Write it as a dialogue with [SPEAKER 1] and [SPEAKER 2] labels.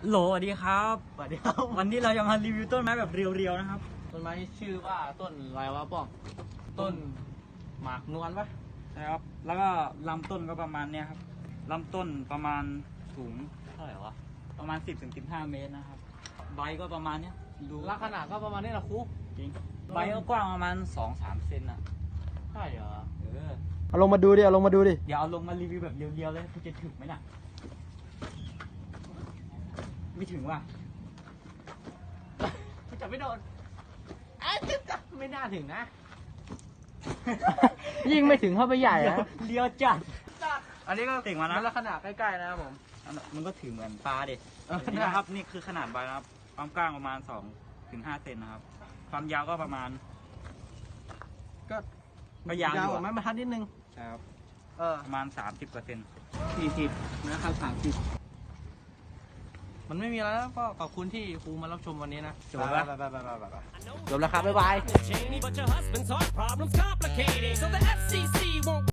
[SPEAKER 1] โหลสวัสดีครับ
[SPEAKER 2] สวัสดีครับ
[SPEAKER 1] วันนี้เราจะมารีวิวต้นไม้แบบเรียวๆนะครับ
[SPEAKER 2] ต้นไม้ที่ชื่อว่าต้นอะไรวะป้องต้นหมากนวลปะ
[SPEAKER 1] นะครับ แล้วก็ลำต้นก็ประมาณเนี้ยครับลำต้นประมาณสูง
[SPEAKER 2] เท่าไหร่วะ
[SPEAKER 1] ประมาณ 10-15 เมตรนะครับ ใบก็ประมาณเนี้ยดู
[SPEAKER 2] ลักษณะก็ประมาณนี้แหละครู
[SPEAKER 1] จริงใบก็กว้างประมาณ 2-3 เซนอ่ะ
[SPEAKER 2] ใช่เหรอ
[SPEAKER 3] เอาลงมาดูดิ เอาลงมาดูดิ
[SPEAKER 1] เดี๋ยวเอาลงมารีวิวแบบเรียวๆเลยคุณจะถึงไหมน่ะ ไม่ถึงว่ะ
[SPEAKER 2] จับไม่โดนจับไม่น่าถึงนะ
[SPEAKER 3] ยิ่งไม่ถึงเข้าไปใหญ่นะ
[SPEAKER 1] เรียวจัด
[SPEAKER 2] อันนี้ก็
[SPEAKER 1] เต่งมานะ
[SPEAKER 2] ลักษณะใกล้ๆนะครับผม
[SPEAKER 1] มันก็ถือเหมือนปลาเด็ด
[SPEAKER 2] เออ
[SPEAKER 1] นี่นะครับนี่คือขนาดใบนะครับความกว้างประมาณ 2-5 เซนนะครับ ความยาวก็ประมาณ
[SPEAKER 2] ก็
[SPEAKER 1] ก็ยาวอยู่
[SPEAKER 2] กว่าไม้บรรทัดนิดนึง
[SPEAKER 1] ครับ ประมาณ 30%
[SPEAKER 2] 40นะครับ30มันไม่มีแล้วก็ขอบคุณที่ครูมารับชมวันนี้นะ
[SPEAKER 1] จบแล้ว
[SPEAKER 2] ไปจบแล้วครับบ๊ายบาย
[SPEAKER 4] But your husband's heart problems complicated, so the FCC won't